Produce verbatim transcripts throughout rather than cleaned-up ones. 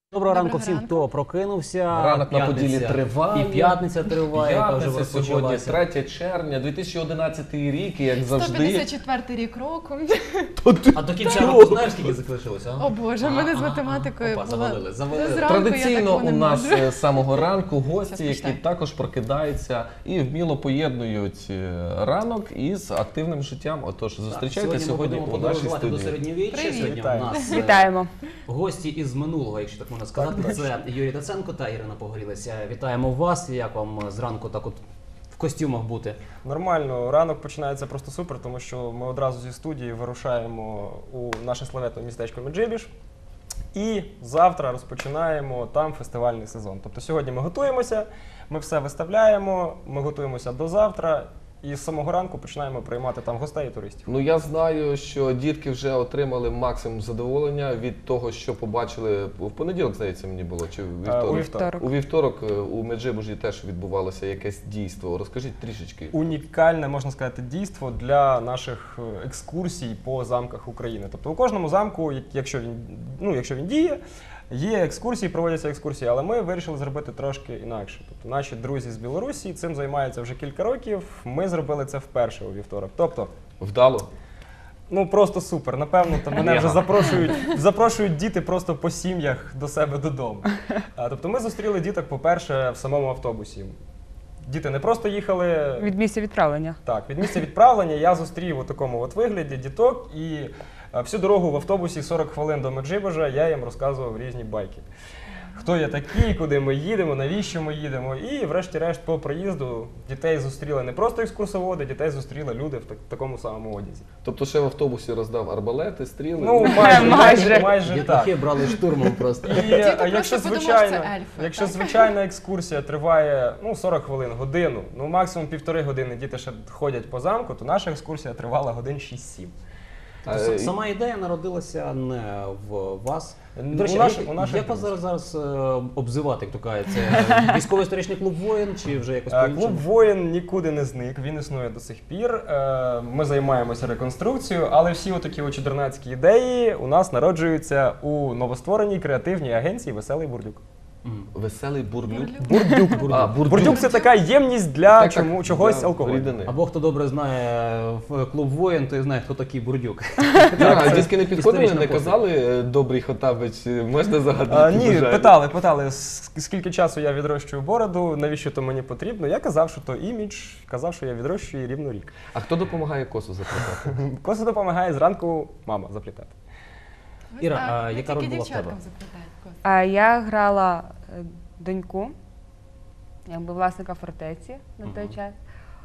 Доброго ранку всім, хто прокинувся. Ранок на Поділі триває. І п'ятниця триває, яка вже П'ятниця сьогодні, розпочалася. третє червня, дві тисячі одинадцятий рік, і як завжди... сто п'ятдесят четвертий рік року. А до кінця року знаєш, скільки залишилося? О Боже, мене з математикою Опа, було. завалили, завалили. Зранку я Традиційно такого у не нас можу. з самого ранку гості, Щас які почитаю. також прокидаються і вміло поєднують е, ранок із активним життям. Отож, зустрічайте сьогодні ми у будемо нашій подорожувати до студії. середньовіччя. Привіт. Сьогодні у Вітаю. нас е, Вітаємо. гості із минулого, якщо так можна сказати. Це Юрій Таценко та Ірина Погорілець. Вітаємо вас. Як вам зранку так от в костюмах бути? Нормально, ранок починається просто супер, тому що ми одразу зі студії вирушаємо у наше славетне містечко Меджибіж. І завтра розпочинаємо там фестивальний сезон. Тобто сьогодні ми готуємося, ми все виставляємо, ми готуємося до завтра. І з самого ранку починаємо приймати там гостей і туристів. Ну, я знаю, що дітки вже отримали максимум задоволення від того, що побачили в понеділок, здається, мені було, чи в вівторок? У вівторок. У вівторок е, у Меджибужі теж відбувалося якесь дійство. Розкажіть трішечки. Унікальне, можна сказати, дійство для наших е, екскурсій по замках України. Тобто у кожному замку, як- якщо він, ну, якщо він діє, є екскурсії, проводяться екскурсії, але ми вирішили зробити трошки інакше. Тобто наші друзі з Білорусі цим займаються вже кілька років, ми зробили це вперше у вівторок. Тобто, Вдало? ну просто супер. Напевно, то мене вже запрошують, запрошують діти просто по сім'ях до себе додому. А, тобто ми зустріли діток, по-перше, в самому автобусі. Діти не просто їхали Від місця відправлення. так, від місця відправлення я зустрів у такому от вигляді діток, і е, всю дорогу в автобусі сорок хвилин до Меджибожа я їм розказував різні байки. Хто я такий, куди ми їдемо, навіщо ми їдемо. І врешті-решт по приїзду дітей зустріли не просто екскурсоводи, дітей зустріли люди в так- такому самому одязі. Тобто ще в автобусі роздав арбалети, стріли? Ну, майже, Майже. майже, майже так. Дітлахи брали штурмом просто. І Діти е, просто якщо подумали, звичайно, що це ельфи, якщо так? звичайна екскурсія триває ну, сорок хвилин, годину, ну максимум півтори години діти ще ходять по замку, то наша екскурсія тривала годин шість-сім. Тобто А, с- Сама ідея народилася не в вас. До речі, У наш- як, у наших як вас друзів. зараз, зараз е, обзивати, як то кажуть? Це військово-історичний клуб «Воїн» чи вже якось Е, по-іншому? Клуб «Воїн» нікуди не зник, він існує до сих пір. Е, Ми займаємося реконструкцією, але всі отакі от чудернацькі ідеї у нас народжуються у новоствореній креативній агенції «Веселий Бурдюк». Мгм. Веселий бурдюк. Бурдюк. А, бурдюк. Бурдюк – це така ємність для Так, чому, так, чогось для алкоголю. рідини. Або хто добре знає в клуб «Воїн», той знає, хто такий Бурдюк. Так, це дітки не підходили, історична не постать. казали, е, добрий Хотабич, е, можна загадати? А, ні, бажання? питали, питали, с- скільки часу я відрощую бороду, навіщо то мені потрібно. Я казав, що то імідж, казав, що я відрощую рівно рік. А хто допомагає косу заплітати? Косу допомагає зранку мама заплітати. Іра, Так, а ми яка роль тільки була в тебе? дівчаткам заплітають коси. А я грала е, доньку, якби власника фортеці на той Мгм. час.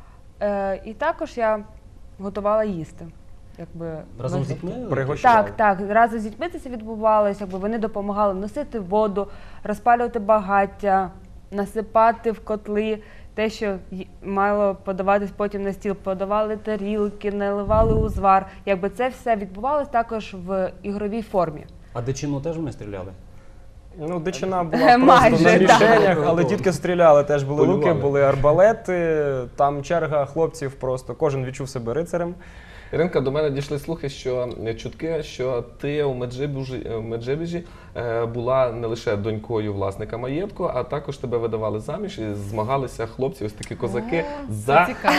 Е, і також я готувала їсти. Якби, Разом ми- з дітьми? Пригощали. Так, так. Разом з дітьми це відбувалося. Якби вони допомагали носити воду, розпалювати багаття, насипати в котли те, що й- мало подаватись потім на стіл. Подавали тарілки, наливали узвар. Якби це все відбувалося також в ігровій формі. А дичину теж ми стріляли? Ну, дичина була просто Майже, на так. мішенях, але дітки стріляли, теж були луки, Полювали. були арбалети, там черга хлопців просто, кожен відчув себе рицарем. Іринка, до мене дійшли слухи, що е, чутки, що ти у Меджибужі, е, в Меджибіжі е, була не лише донькою власника маєтку, а також тебе видавали заміж і змагалися хлопці, ось такі козаки, О, це за, цікаво.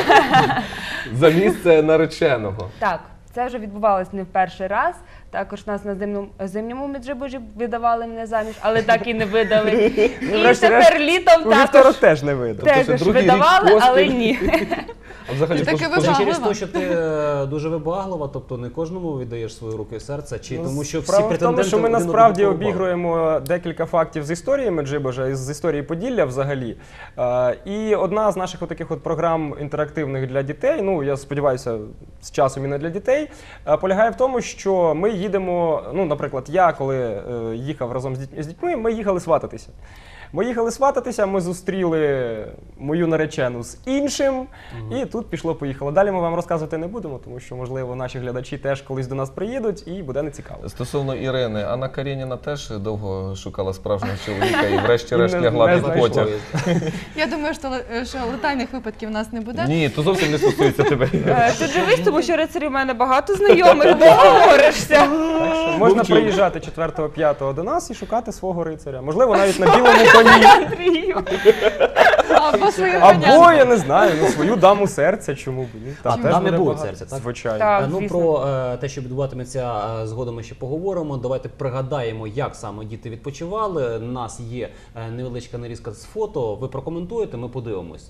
за місце нареченого. Так, це вже відбувалось не в перший раз. Також нас на зимному, зимньому Меджибужі видавали мене заміж, але так і не видали. І врешті-решт, тепер літом У вівторок також, теж не видав. Тобто також другий рік видавали, поспіль. але ні. А взагалі, І таки пож- ви Може, Вибаглива. через те, що ти е, дуже вибаглива, тобто не кожному віддаєш свої руки і серце, чи Ну, тому що всі справа в претенденти тому, що ми один насправді одного порубали? обігруємо декілька фактів з історії Меджибожа, і з історії Поділля взагалі. Е, І одна з наших таких от програм інтерактивних для дітей, ну я сподіваюся, з часом і не для дітей, е, полягає в тому, що ми їдемо, ну, наприклад, я коли е, їхав разом з дітьми, з дітьми, ми їхали свататися. Ми їхали свататися, ми зустріли мою наречену з іншим, і тут пішло-поїхало. Далі ми вам розказувати не будемо, тому що, можливо, наші глядачі теж колись до нас приїдуть і буде нецікаво. Стосовно Ірини, Анна Карєніна теж довго шукала справжнього чоловіка і врешті-решт Не- лягла не під знайшла. потяг. Я думаю, що, ле- що летальних випадків у нас не буде. Ні, то зовсім не стосується тебе. Е, Ти дивись, тому що рицарів у мене багато знайомих, договоришся. Так що можна Мовчу. приїжджати четвертого-п'ятого до нас і шукати свого рицаря. Можливо, навіть на білому коні. Андрію. Або свою Або, я не знаю, ну, свою даму серця, чому б ні. Та, А, теж дами буде будуть багато. серця, так? Звичайно. Так. Е, ну, звісно. про е, те, що відбуватиметься е, згодом, ми ще поговоримо. Давайте пригадаємо, як саме діти відпочивали. У нас є е, невеличка нарізка з фото. Ви прокоментуєте, ми подивимось.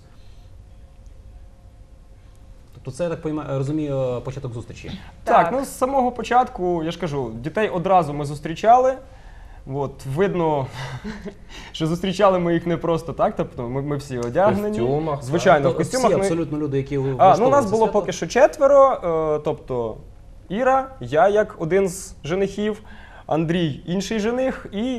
Тобто це, я так пойма- розумію, початок зустрічі. Так, Так. ну з самого початку, я ж кажу, дітей одразу ми зустрічали. От, видно, що зустрічали ми їх не просто так, тобто ми, ми всі одягнені. В костюмах, так. Звичайно, в То костюмах. всі ми... абсолютно люди, які А, ну, у влаштовують нас це було свято. поки що четверо, е, тобто Іра, я як один з женихів, Андрій інший жених і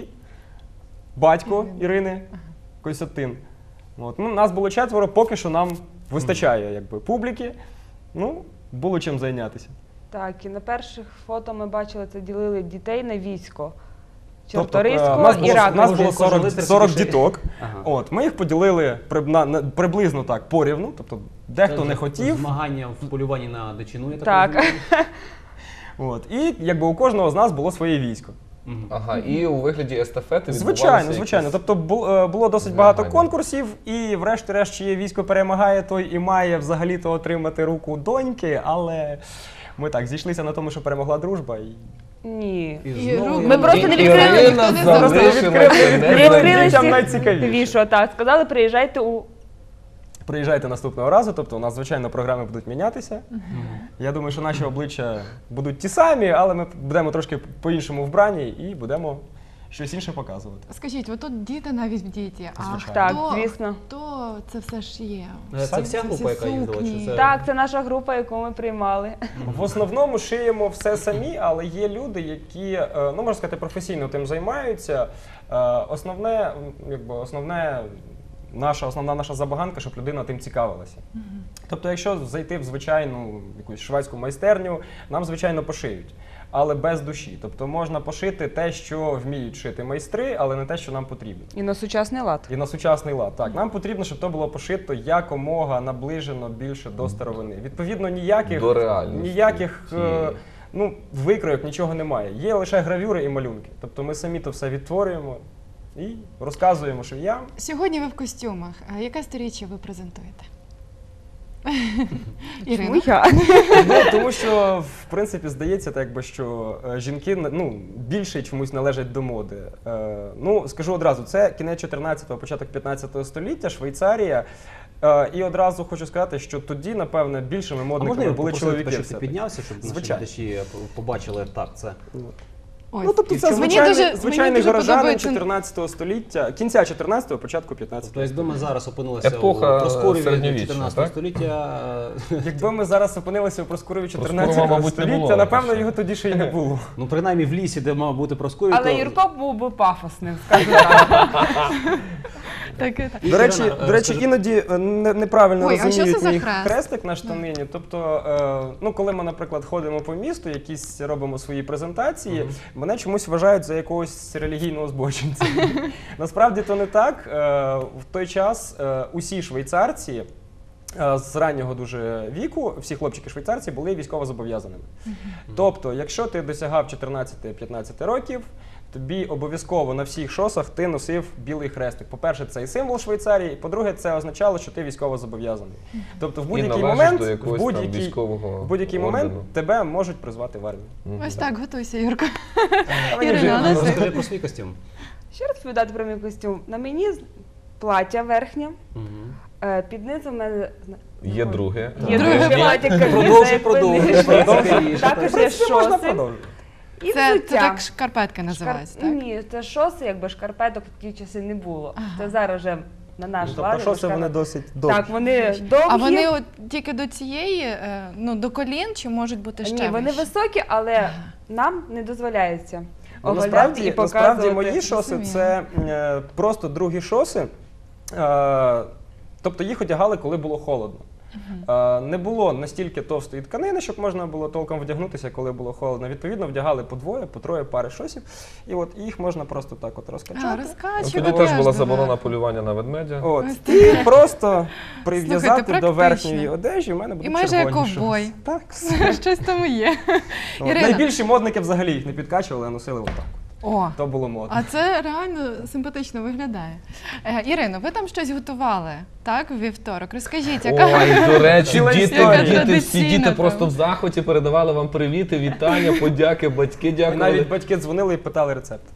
батько Ірини Костянтин. От, ну, нас було четверо, поки що нам вистачає якби, публіки. Ну, було чим зайнятися. Так, і на перших фото ми бачили, це ділили дітей на військо. Тобто, е, Чорторийського у нас і було, у Ракового. нас було Кожен- кожен сорок, лицар сорок собі ще- діток. Ага. От, ми їх поділили приб- на- на- приблизно так порівну, тобто дехто Це не хотів. Змагання в полюванні на дичину, я так, Так. розумію. От, і якби у кожного з нас було своє військо. Мгм. Ага, і у вигляді естафети Звичайно, відбувалися звичайно. якісь- Тобто бу- е, було досить багато змагання. конкурсів, і врешті-решт, чиє військо перемагає, той і має взагалі-то отримати руку доньки, але ми так зійшлися на тому, що перемогла дружба. І... Ні. І І знову рук- я Ми просто не відкрили, Ірина ніхто не знав. залишилася Відкрили- Не не відкрили Дітям всіх найцікавіше. вішо, так. Сказали, приїжджайте у Приїжджайте наступного разу, тобто у нас, звичайно, програми будуть мінятися. Я думаю, що наші обличчя будуть ті самі, але ми будемо трошки по-іншому вбрані і будемо щось інше показувати. Скажіть, ви тут діти навіть діти, а Звичайно. Так, хто, звісно. хто це все ж є? Е, Це вся Це група, всі яка їздила? Чи сукні. це... Так, це наша група, яку ми приймали. В основному шиємо все самі, але є люди, які, е, ну можна сказати, професійно тим займаються. Е, Основне, м, якби основне. Наша основна наша забаганка, щоб людина тим цікавилася. Тобто, якщо зайти в звичайну якусь шведську майстерню, нам звичайно пошиють, але без душі. Тобто можна пошити те, що вміють шити майстри, але не те, що нам потрібно. І на сучасний лад. І на сучасний лад. Так, нам потрібно, щоб то було пошито якомога наближено більше до старовини. Відповідно, ніяких До реальності ніяких е, цієї. ну, викройок, нічого немає. Є лише гравюри і малюнки. Тобто ми самі то все відтворюємо і розказуємо швіям. Сьогодні ви в костюмах. А яке сторіччя ви презентуєте? Чому Ірина? я? Ну, тому що, в принципі, здається, так якби, що е, жінки ну, більше чомусь належать до моди. Е, ну, скажу одразу, це кінець чотирнадцятого, початок п'ятнадцятого століття, Швейцарія. Е, і одразу хочу сказати, що тоді, напевне, більшими А можна модниками я були попросити тебе, чоловіки. щоб ти все-таки. піднявся, щоб наші Звичайно. глядачі побачили так це. Ось. Ну, тобто І це в чому- Мені звичайний, дуже- мені звичайний дуже горожанин подобається- чотирнадцятого століття, кінця чотирнадцятого, початку п'ятнадцятого. Тобто, якби ми зараз опинилися Епоха у Проскуріві середньовіччя, чотирнадцятого так? століття, е, Якби ми зараз опинилися у Проскурові Проскурова, чотирнадцятого мабуть, не століття, було, напевно, ще. його тоді ще й не було. ну принаймні в лісі, де мав бути Проскурів, Але то... Юрко був би пафосним, скажу так. Так, так. І, До речі, Ірина, до речі, розкажи- іноді е, не- неправильно Ой, а що розуміють це за мій хрест? хрестик на штанині. Тобто, е, ну, коли ми, наприклад, ходимо по місту, якісь робимо свої презентації, мене чомусь вважають за якогось релігійного збочинця. Насправді то не так. Е, В той час е, усі швейцарці е, з раннього дуже віку, всі хлопчики швейцарці були військово зобов'язаними. Тобто, якщо ти досягав чотирнадцяти-п'ятнадцяти років, тобі обов'язково на всіх шосах ти носив білий хрестик. По-перше, це і символ Швейцарії, і по-друге, це означало, що ти військово зобов'язаний. Тобто в будь-який належиш момент, до в якогось там будь-який, військового в будь-який момент ордену. тебе можуть призвати в армію. Ось так, готуйся, Юрко. Але Ірина, вже- а нас- Розкажи про свій костюм. Що розповідати про мій костюм? На мені з- плаття верхнє, Мгм. е, під низом в мене зна- Є друге. Є Друге. друге плаття, каміза, Продовжуй, як продовжуй. пини. Продовжуй. Також В є принципі, можна шоси продовжувати. і Це, це взуття. так шкарпетки називаються, Шкар- так? Ні, це шоси, якби шкарпеток в ті часи не було. Ага. Це зараз вже на наш Ну, лад. тобто, що це вони шкарпет- досить довгі. Так, вони довгі. А вони от тільки до цієї, е, ну, до колін, чи можуть бути ще Ні, вони вище? високі, але нам не дозволяється Ну, оголяти насправді, і насправді показувати. мої шоси Розумію. це е, просто другі шоси. Е, тобто їх одягали, коли було холодно. Е, Не було настільки товстої тканини, щоб можна було толком вдягнутися, коли було холодно. Відповідно, вдягали по двоє, по троє пари шосів, і от їх можна просто так от А, розкачати. Ну, розкачувати. тоді теж була аж заборона доверху. полювання на ведмедя. От. Ось І просто прив'язати Слухайте, до практично. верхньої одежі, в мене буде І майже як червоні ковбой. шоси. Так, все. Щось там є. От. Ірина. Найбільші модники взагалі їх не підкачували, а носили отак. О, То було модно. а це реально симпатично виглядає. Е, Ірино, ви там щось готували, так, у вівторок? Розкажіть, яка... Ой, до речі, Ціла діти, історія. діти, всі Традиційна діти там. просто в захваті передавали вам привіти, вітання, подяки, батьки І дякували. навіть батьки дзвонили і питали рецепт.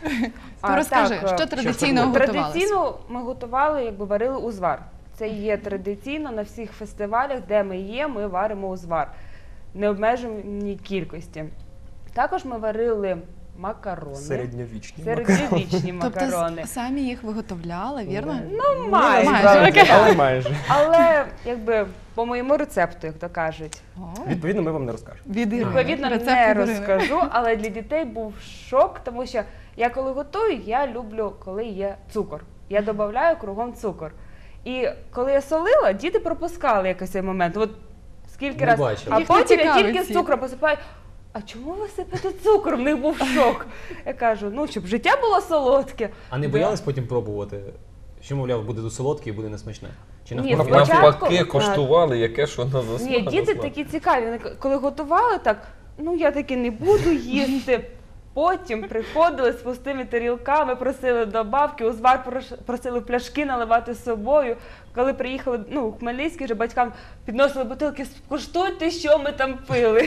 То розкажи, так, що е, традиційно що готувалося? Традиційно ми готували, якби варили узвар. Це є традиційно на всіх фестивалях, де ми є, ми варимо узвар. Необмеженій кількості. Також ми варили макарони. Середньовічні. Середньовічні Тобто макарони. с- самі їх виготовляли, вірно? Ну, Ні, майже. насправді, окей. але майже. Але якби по моєму рецепту, як то кажуть. О, Відповідно, ми вам не розкажемо. від Ірини. Відповідно, Рецепт не від Ірини. розкажу, але для дітей був шок, тому що я коли готую, я люблю, коли є цукор. Я додаю кругом цукор. І коли я солила, діти пропускали якийсь цей момент. От скільки Не разів. бачили. А Їх не потім я цікавить тільки з ці. цукром посипаю. А чому ви сипете цукор? В них був шок. Я кажу, ну щоб життя було солодке. А не боялись потім пробувати? Що, мовляв, буде дуже солодке і буде несмачне? Чи Ні, навпаки? спочатку- Навпаки, так. коштували, яке що на засмак. Ні, діти такі цікаві. Вони коли готували так, ну я таки не буду їсти. Потім приходили з пустими тарілками, просили добавки, узвар прош- просили в пляшки наливати з собою. Коли приїхали, ну, у Хмельницький, вже батькам підносили бутилки, скуштуйте, що ми там пили.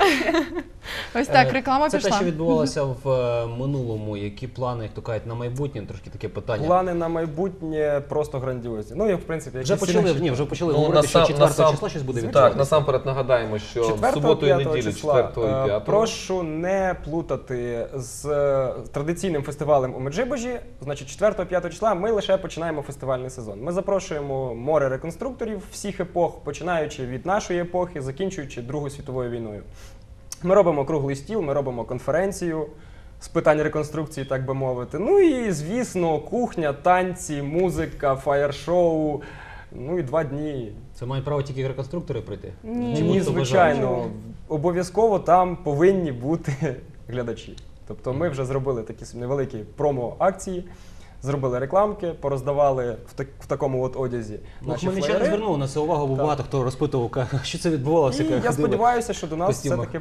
Ось так, Е, реклама Це пішла. те, що відбувалося в е, минулому. Які плани, як то кажуть, на майбутнє? Трошки таке питання. Плани на майбутнє просто грандіозні. Ну, як в принципі, як Вже і всі почали, наші. ні, вже почали Ну, говорити, що насам- четвертого насам- числа щось буде Так, відбуватися. насамперед нагадаємо, що в четвертого, суботу і п'ятого неділю, числа. четвертого і Е, п'ятого. Прошу не плутати з е, традиційним фестивалем у Меджибожі. Значить, четвертого-п'ятого числа ми лише починаємо фестивальний сезон. Ми запрошуємо море реконструкторів всіх епох, починаючи від нашої епохи, закінчуючи Другою світовою війною. Ми робимо круглий стіл, ми робимо конференцію з питань реконструкції, так би мовити. Ну і, звісно, кухня, танці, музика, фаєр-шоу. Ну і два дні. Це мають право тільки реконструктори прийти? Ні. Чи Ні, будуть звичайно. бажаючі? Обов'язково там повинні бути глядачі. Тобто ми вже зробили такі собі невеликі промо-акції, зробили рекламки, пороздавали в, так, в такому от одязі Ну, наші хмельничани флаєри. звернули на це увагу, бо Так. багато хто розпитував, ка- що це відбувалося. І ка- я ходили. сподіваюся, що до нас костюмах. все-таки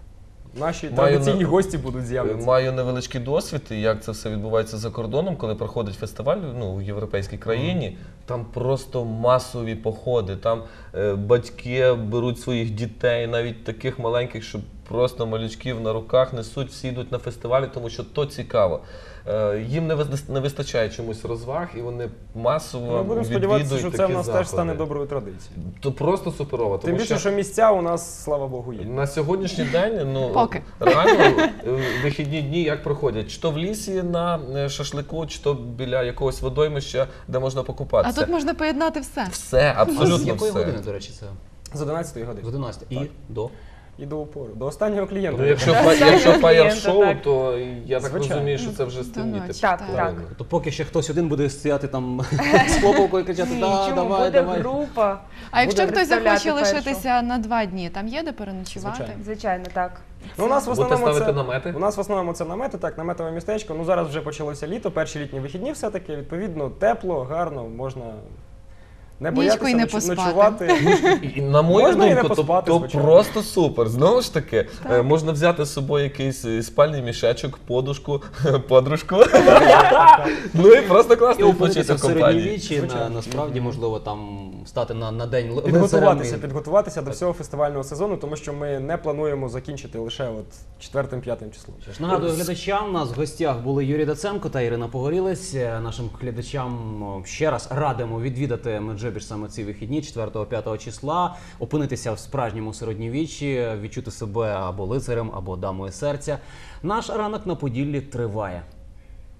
наші Маю традиційні на- гості будуть з'являтися. Маю невеличкий досвід, і як це все відбувається за кордоном, коли проходить фестиваль ну, в європейській країні. Там просто масові походи. Там е, батьки беруть своїх дітей, навіть таких маленьких, що просто малючків на руках несуть, всі йдуть на фестивалі, тому що то цікаво. Е, їм не, вис- не вистачає чомусь розваг, і вони масово Ми будемо відвідують сподіватися, що це такі в нас заходи. теж стане доброю традицією. То просто суперово. Тим Тому більше, що місця у нас, слава Богу, є. на сьогоднішній день, ну Поки. реально е, вихідні дні як проходять? Чи то в лісі на е, шашлику, чи то біля якогось водоймища, де можна А покупатися. тут можна поєднати все. Все, А з абсолютно якої все. години, до речі, це? З одинадцятої З години. одинадцятої. І Так. до? І до упору. До останнього клієнта. Ну, якщо, Так, фа- так, якщо так, фаєр-шоу, так. то я так Звичайно. розумію, що це вже стемніти. ночі, Так, так. так. То поки ще хтось один буде стояти там з хлопавкою і кричати, Ні, да, чому давай, буде давай. група? А якщо Буде хтось захоче представляти лишитися на два дні, там є де переночувати? Звичайно. Звичайно, так. Ну, у нас в Будете основному ставити це, намети? у нас в основному це намети, так, наметове містечко. Ну зараз вже почалося літо, перші літні вихідні все-таки, відповідно, тепло, гарно, можна не Нічку боятися й не ноч- поспати. ночувати. І, на мою Можна і не думку, то, поспати, то звичайно. просто супер. Знову ж таки, е, можна взяти з собою якийсь е, спальний мішечок, подушку, подружку. Ну і просто І класно опинитися відпочити в в компанії. середньовіччі, на, Звичайно. насправді, можливо, там стати на, на день ли- Підготуватися, лицарем і- підготуватися до всього фестивального сезону, тому що ми не плануємо закінчити лише от четвертим-п'ятим числом. Що ж, нагадую глядачам, у нас в гостях були Юрій Даценко та Ірина Погорілець. Е, Нашим глядачам о, ще раз радимо відвідати Меджибіж саме ці вихідні, четвертого-п'ятого числа, опинитися в справжньому середньовіччі, відчути себе або лицарем, або дамою серця. Наш ранок на Поділлі триває.